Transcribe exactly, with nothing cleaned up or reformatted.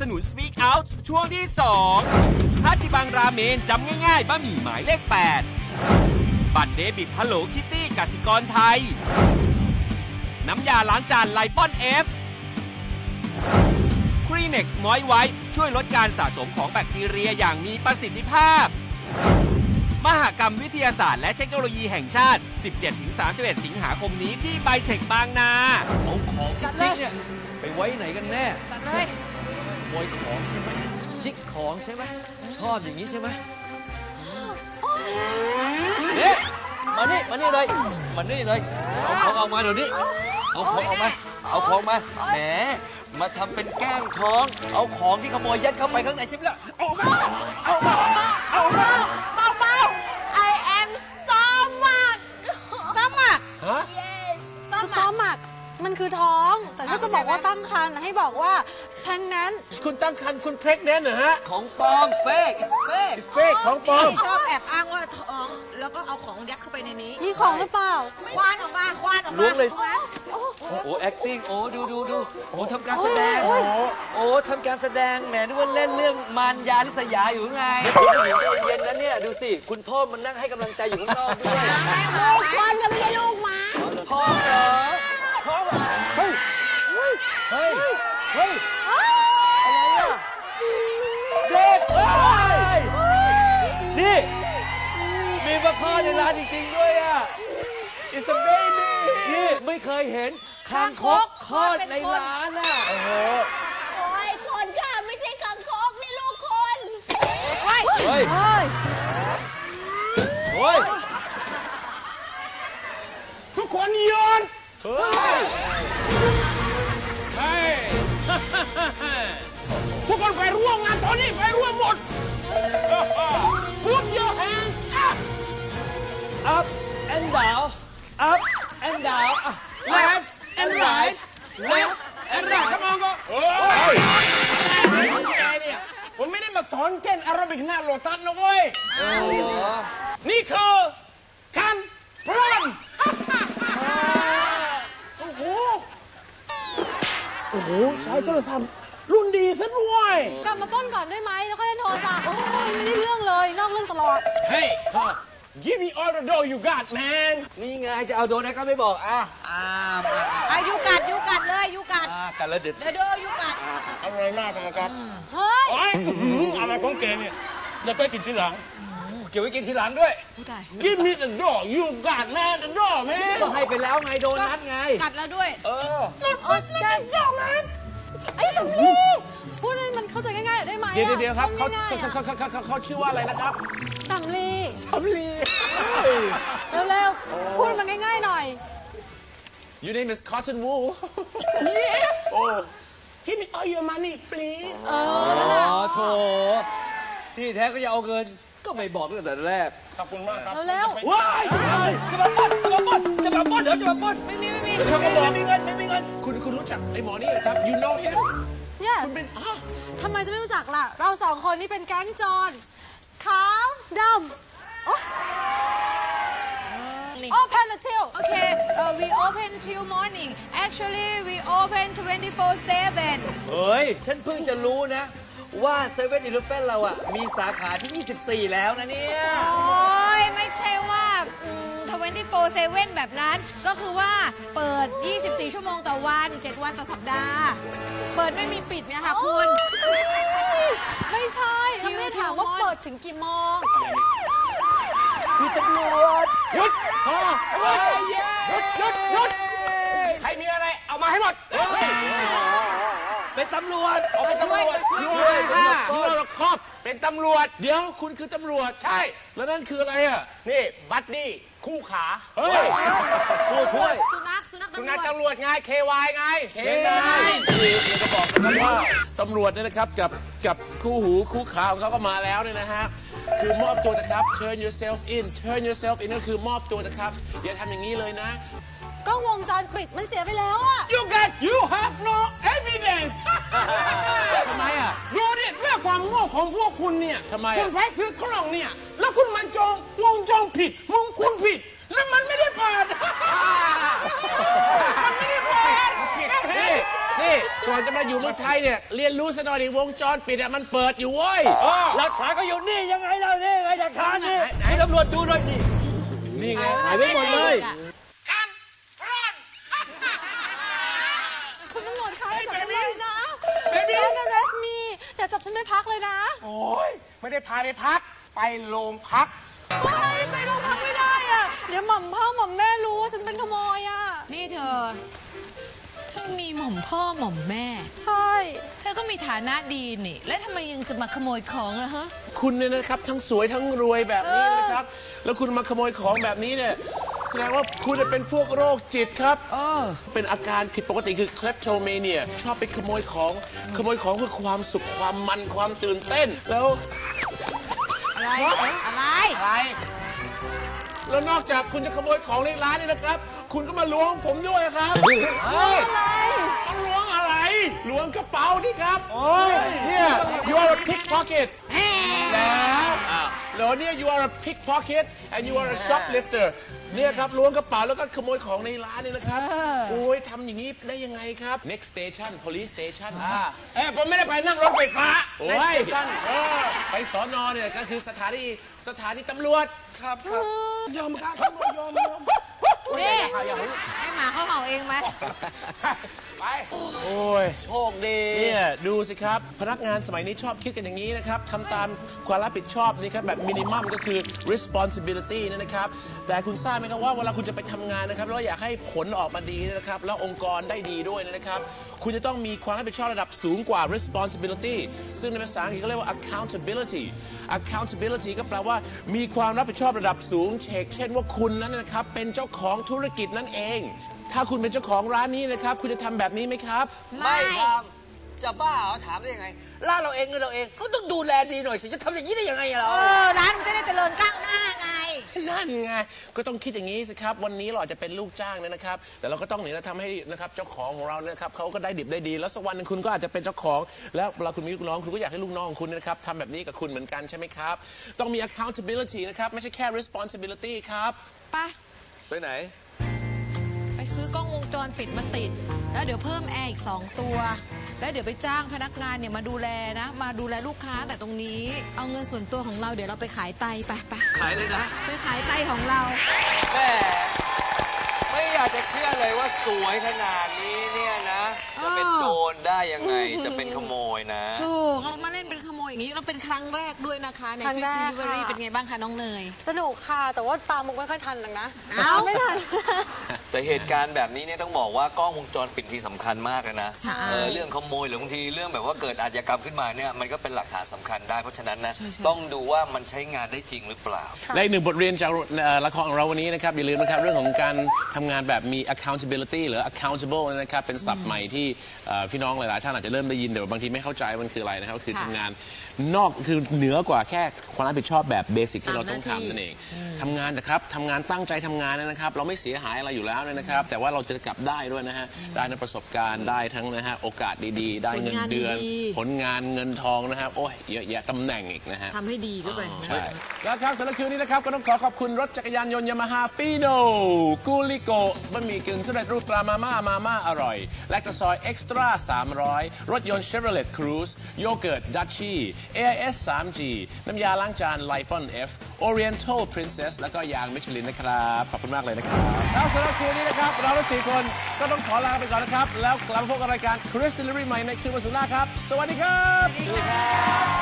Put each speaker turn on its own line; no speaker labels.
สนุน Speak Out ช่วงที่สองฮาจิบังราเมนจำง่ายๆบะหมี่หมายเลขแปดบัตรเดบิตฮัลโหลคิตตี้กสิกรไทยน้ำยาล้างจานไลปอนเอฟครีเน็กซ์มอยไวท์ช่วยลดการสะสมของแบคทีเรียอย่างมีประสิทธิภาพมหกรรมวิทยาศาสตร์และเทคโนโลยีแห่งชาติ สิบเจ็ดถึงสามสิบเอ็ด สิงหาคมนี้ที่ไบเทคบางนา
เอาของจริงเนี่ยไปไว้ไหนกันแน่
จัดเลย
ขโมยของใช่ไหมจิกของใช่ไหมชอบอย่างนี้ใช่ไหมเนี่ยมานี่มานี่เลยมานี่เลยเอาของออกมาเดี๋ยวนี้เอาของออกมาเอาของมาแหมมาทำเป็นแกล้งท้องเอาของที่ขโมยยัดเข้าไปข้างในใช่ไหมล่ะเอามาเอามาเอามา
เบาๆ I am stomach stomach
ฮะ
yes
stomach มันคือท้องแต่ถ้าจะบอกว่าตั้งครรภ์ให้บอกว่า pregnant
คุณตั้งครรภ์คุณ pregnant เหรอฮะ
ของปลอม fake is fake
is fake ของปลอม
ชอบแอบอ้างว่าท้องแล้วก็เอาของยัดเข้าไปในนี้
มีของหรือเปล่า
ควานออกมาควานออกมา
ล้วงเลยโอ้โห acting โอ้ดูดูดูโอ้ทำการแสดงโอ้ทำการแสดงแหมนึกว่าเล่นเรื่องมารยาลิษยาอยู่ไงใจเย็นนะเนี่ยดูสิคุณพ่อมันนั่งให้กำลังใจอยู่ข้างนอกด้วย
ลูกควานก็ไม่ใช่ลูกหมา
พ่อเหรอพ่อเฮ้ยเฮ้ยเฮ้ยเฮ้ยอะไรอ่ะเด็กนี่มีมาคลอดในร้านจริงๆด้วยอ่ะ
It's a baby
นี่ไม่เคยเห็นคางคกคลอดในร้านอ่ะ
โอ้โห
โอ้ยคนค่ะไม่ใช่คางคกนี่ลูกคน
เฮ้ยเฮ้ยเฮ้ย
ทุกคนโยนเฮ้ยเฮ้ยทุกคนไปร่วมงานตอนนี้ไปร่วมหมด Put your hands up
up and down up and down
left and right left and right come on go โอ้ยแกเนี่ยผมไม่ได้มาสอนเต้นแอโรบิกหน้าโลตัสนะเว้ยนี่คือการพลอนโอ้โหโอ้โหใช้โทรศัพท์รุ่นดีซะด้วย
กลับมาป้นก่อนได้ไหมแล้วค่อยเล่นโทรศัพท์โอ้ยไม่ได้เรื่องเลยนอกเรื่องตลอด
Hey give me all the dough you got man
นี่ไงจะเอาโดนนะก็ไม่บอกอ่ะอ่า
อ่ะยูกัดยูกัดเลยยูกัด
อ่ากัดแล้วเด็ด
เดี๋ยวเดี๋ยวยูกัด
อะไรหน้ากันนะครับ
เฮ้ย
อะไรของแกเนี่ยจะไปกินทีหลัง
เก็บไว้กินทีหลังด้วย
Give me the dough you got man the dough man
ก็ให้ไปแล้วไงโดนัทไง
กัดแล้วด้วย
เออ
โอ๊ยได้ยังไงไอ้สำลีพูดให้มันเข้าใจง่ายๆได้ไหม
เดี๋ยวเดี๋ยวครับเขาเขาเขาเขาเขาชื่อว่าอะไรนะครับ
สำลี
สำลี
เร็วๆพูดมันง่ายๆหน่อย
Your name is Cotton Wool Yeah Oh Give me all your money please
เออ
โถที่แท้ก็จะเอาเงินก็ไม่บอกตั้งแต่แรก
ขอบคุณมากครับ
เร็ว
ๆว้ายจะมาป้นจะมาป้นจะมาป้นเดี๋ยวจะมาป้น
ไม่มีไม่มี
ไม่มีเงินไม่มีเงินคุณคุณรู้จักไอ้หมอนี่เหรอครับ You know him
เนี่ย
คุณเป็น
ทำไมจะไม่รู้จักล่ะเราสองคนนี่เป็นแก๊งโจรขาวดำ Open until
Okay uh, we open till morning Actually we open twenty-four seven
เฮ้ยฉันเพิ่งจะรู้นะว่าเซเว่นอีเลฟเว่นเราอ่ะมีสาขาที่ยี่สิบสี่แล้วนะเนี่ย
โอ้ยไม่ใช่ว่าทเวนตี้โฟร์เซเว่นแบบนั้นก็คือว่าเปิดยี่สิบสี่ชั่วโมงต่อวันเจ็ดวันต่อสัปดาห์เปิดไม่มีปิดเนี่ยค่ะคุณ
ไม่ใช่ฉันไม่ถามว่าเปิดถึงกี่โมง
คือตำรวจ
หยุดพอหยุดหยุดหยุดใครมีอะไรเอามาให้หมด
เป็นตำรวจ
เป็นตำรวจด้วยค่ะนี่เราครอบเป็นตำรวจเดี๋ยวคุณคือตำรวจใช่แล้วนั่นคืออะไรอ่ะนี่บัดดี้คู่ขาเฮ้ย
ผู้ช่วย
สุนัขสุนัข
สุนัขตำรวจไง เค วาย ไง เค วายคือจะบอกนะครับว่าตำรวจเนี่ยนะครับกับกับคู่หูคู่ขาของเขาก็มาแล้วเนี่ยนะฮะคือมอบตัวนะครับ turn yourself in turn yourself in ก็คือมอบตัวนะครับอย่าทำอย่างนี้เลยนะ
กล้องวงจรปิดมันเสียไปแล้วอะ
You guys you have no evidence ทำไมอ่ะดูดิเรื่องความโง่ของพวกคุณเนี่ยทำไมคุณไปซื้อกล้องเนี่ยแล้วคุณมันจองวงจรผิดวงคุณผิดแล้วมันไม่ได้เปิดมันไม่ได้เปิดนี่นี่โกก่อนจะมาอยู่เมืองไทยเนี่ยเรียนรู้ซะหน่อยดิวงจรปิดอ่ะมันเปิดอยู่เว้ย
หลักฐานก็อยู่นี่ยังไงเรานี่ไงหลักฐานนี่ให้ตำรวจดูหน่อยนี่นี่ไงหายไปหมดเลย
คุณตำรวจคะอย่าจับฉันเลยนะ Don't arrest me อย่าจับฉันไปพักเลยนะ
โอ้ยไม่ได้พาไปพักไปโรงพัก
ไปไปโรงพักไม่ได้อ่ะเดี๋ยวหม่อมพ่อหม่อมแม่รู้ว่าฉันเป็นขโมยอ่ะ
นี่เธอเธอมีหม่อมพ่อหม่อมแม่
ใช่
เธอก็มีฐานะดีนี่แล้วทำไมยังจะมาขโมยของล่ะฮะ
คุณเนี่ยนะครับทั้งสวยทั้งรวยแบบนี้นะครับแล้วคุณมาขโมยของแบบนี้เนี่ยแสดงว่าคุณเป็นพวกโรคจิตครับเป็นอาการผิดปกติคือ kleptomania ชอบไปขโมยของขโมยของเพื่อความสุขความมันความตื่นเต้นแล้ว
อะไรอะไร
อะไร
แล้วนอกจากคุณจะขโมยของในร้านนี่นะครับคุณก็มาล้วงผมด้วยครับ
อะไร
ต้องล้วงอะไร
ล้วงกระเป๋านี่ครับเนี่ย you are a pickpocket แล้วแล้วเนี่ย you are a pickpocket and you are a shoplifter เนี่ยครับล้วงกระเป๋าแล้วก็ขโมยของในร้านนี่นะครับโอ้ยทำอย่างนี้ได้ยังไงครับ next station police station
เอ้ผมไม่ได้ไปนั่งรถไฟฟ้า
โอ้ยไปสอนอเนี่ยก็คือสถานีสถานีตำรวจ
ครับครับยอมครับยอมยอม
นี่ให้หมาเขาเห่าเองไหม
ไป
โอ้ย
โชคดี
เนี่ยดูสิครับพนักงานสมัยนี้ชอบคิดกันอย่างนี้นะครับทำตามความรับผิดชอบนี่ครับแบบมินิมัมก็คือ responsibility นี่นะครับแต่คุณทราบไหมครับว่าเวลาคุณจะไปทำงานนะครับแล้วอยากให้ผลออกมาดีนะครับแล้วองค์กรได้ดีด้วยนะครับคุณจะต้องมีความรับผิดชอบระดับสูงกว่า responsibility ซึ่งในภาษาอังกฤษเขาเรียกว่า accountability accountability ก็แปลว่ามีความรับผิดชอบระดับสูงเช่นเช่นว่าคุณนั้นนะครับเป็นเจ้าของธุรกิจนั่นเองถ้าคุณเป็นเจ้าของร้านนี้นะครับคุณจะทำแบบนี้ไหมครับ
ไม่ครับจะบ้าเหรอถามได้ยังไงร้านเราเองเงินเราเองก็ต้องดูแลดีหน่อยสิจะทำอย่างนี้ได้ยังไงเรา
เออร้านมันจะได้เจริญก้าวหน้าไง
นั่นไงก็ต้องคิดอย่างนี้สิครับวันนี้เราอาจจะเป็นลูกจ้างนะครับแต่เราก็ต้องเนี่ยทำให้นะครับเจ้าของของเราเนี่ยครับเขาก็ได้ดิบได้ดีแล้วสักวันนึงคุณก็อาจจะเป็นเจ้าของแล้วเวลาคุณมีลูกน้องคุณก็อยากให้ลูกน้องของคุณนะครับทำแบบนี้กับคุณเหมือนกันใช่ไหมครับต้องมี accountability นะครับไม่ใช่แค่ responsibility ครับ
ไป
ไปไหน
ไปซื้อกล้องวงจรปิดมาติดแล้วเดี๋ยวเพิ่มแอร์อีกสองตัวแล้วเดี๋ยวไปจ้างพนักงานเนี่ยมาดูแลนะมาดูแลลูกค้าแต่ตรงนี้เอาเงินส่วนตัวของเราเดี๋ยวเราไปขายไตไปไป
ขายเลยนะ
ไปขายไตของเรา
แม่ไม่อยากจะเชื่อเลยว่าสวยขนาดนี้เนี่ยนะจะเป็นโจรได้ยังไงจะเป็นขโมยนะ
ถูกเรามาเล่นเป็นขโมยอย่างนี้เราเป็นครั้งแรกด้วยนะคะในฟิสติลิเวอรี่เป็นไงบ้างคะน้องเนย
สนุกค่ะแต่ว่าตามมุกไม่ค่อยทันหรอกนะอ้าวไม่ทัน
แต่เหตุการณ์แบบนี้เนี่ยต้องบอกว่ากล้องวงจรปิดที่สำคัญมากเลยนะเรื่องขโมยหรือบางทีเรื่องแบบว่าเกิดอาชญากรรมขึ้นมาเนี่ยมันก็เป็นหลักฐานสำคัญได้เพราะฉะนั้นนะต้องดูว่ามันใช้งานได้จริงหรือเปล่า
และอีกหนึ่งบทเรียนจากละครของเราวันนี้นะครับอย่าลืมนะครับเรื่องของการทำงานแบบมี accountability หรือ accountable นะครับเป็นศัพท์ใหม่ที่พี่น้องหลายๆท่านอาจจะเริ่มได้ยินแต่บางทีไม่เข้าใจมันคืออะไรนะครับคือทำงานนอกคือเหนือกว่าแค่ความรับผิดชอบแบบเบสิกที่เราต้องทำนั่นเองทำงานนะครับทำงานตั้งใจทำงานนะครับเราไม่เสียหายอะไรอยู่แล้วนะครับแต่ว่าเราจะกลับได้ด้วยนะฮะได้ในประสบการณ์ได้ทั้งนะฮะโอกาสดีๆได้เงินเดือนผลงานเงินทองนะครับโอ้ยเยอะแยะตำแหน่งอีกนะฮะ
ทำให้ดีก็ไป
ใช่แล้วครับสำหรับคืนนี้นะครับก็ต้องขอขอบคุณรถจักรยานยนต์ยามาฮ่าฟีโนกูลิโกบะหมี่กึ่งสำเร็จรูปตรามาม่ามาม่าอร่อยแลคตาซอยเอ็กซ์ตร้าสามร้อยรถยนต์เชฟโรเลตครูซโยเกิร์ตดัชชี่ เอ ไอ เอส ทรี จี น้ำยาล้างจานไลปอน F Oriental Princess แล้วก็ยางมิชลินนะครับขอบคุณมากเลยนะครับแล้วสำหรับคืนนี้นะครับเราทั้งสี่คนก็ต้องขอลาไปก่อนนะครับแล้วกลับมาพบกับรายการ Chris Delivery ใหม่ในคืนวันศุกร์หน้าครับสวัสดีครับ